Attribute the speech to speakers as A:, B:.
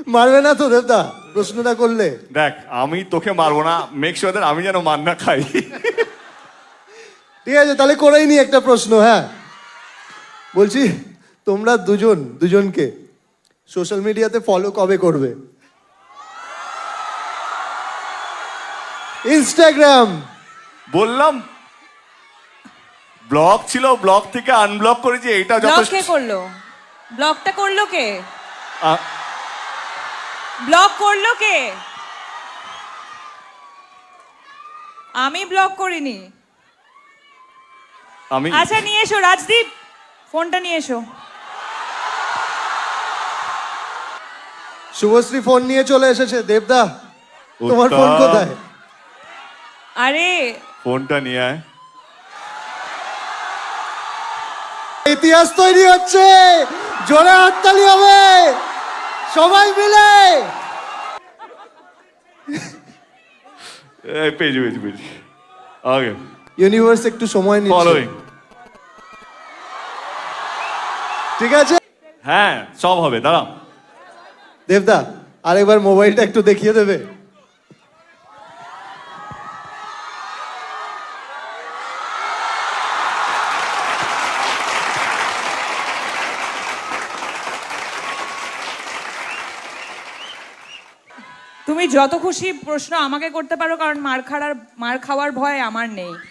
A: মারবে না তো দেবদা প্রশ্নটা করলে?
B: দেখ আমি তোকে মারবো না, মেক শিওর দ্যাট আমি যেন মার না খাই।
A: ঠিক আছে তাহলে করেই নি একটা প্রশ্ন। হ্যাঁ বলছি, তোমরা দুজনকে সোশ্যাল মিডিয়াতে ফলো কবে করবে? ইনস্টাগ্রাম।
B: বললাম ব্লক ছিল, ব্লক থেকে আনব্লক করেছি, এইটা
C: ব্লক
B: যথেষ্ট।
C: কে করলো? ব্লকটা করলো কে?
B: আ-
C: ব্লক করলো কে? আমি ব্লক করিনি।
B: আমি
C: আচ্ছা নিয়ে এসো রাজদীপ, ফোনটা নিয়ে এসো।
A: শুভশ্রী ফোন নিয়ে চলে এসেছে। দেবদা তোমার
B: উত্তম।
A: ফোন কোথায়?
C: আরে
B: ফোনটা নিয়ে আয়।
A: ইতিহাস তৈরি হচ্ছে, জোরে হাততালি হবে সবাই মিলে।
B: এই পেজি পেজি পেজি ওকে,
A: ইউনিভার্স একটু সময় নিচ্ছে।
B: ফলোইং।
A: ঠিক আছে
B: হ্যাঁ সব হবে, দাঁড়াও।
A: দেবদা আরেকবার মোবাইলটা একটু দেখিয়ে দেবে?
C: তুমি যত খুশি প্রশ্ন আমাকে করতে পারো, কারণ মার খাওয়ার ভয় আমার নেই।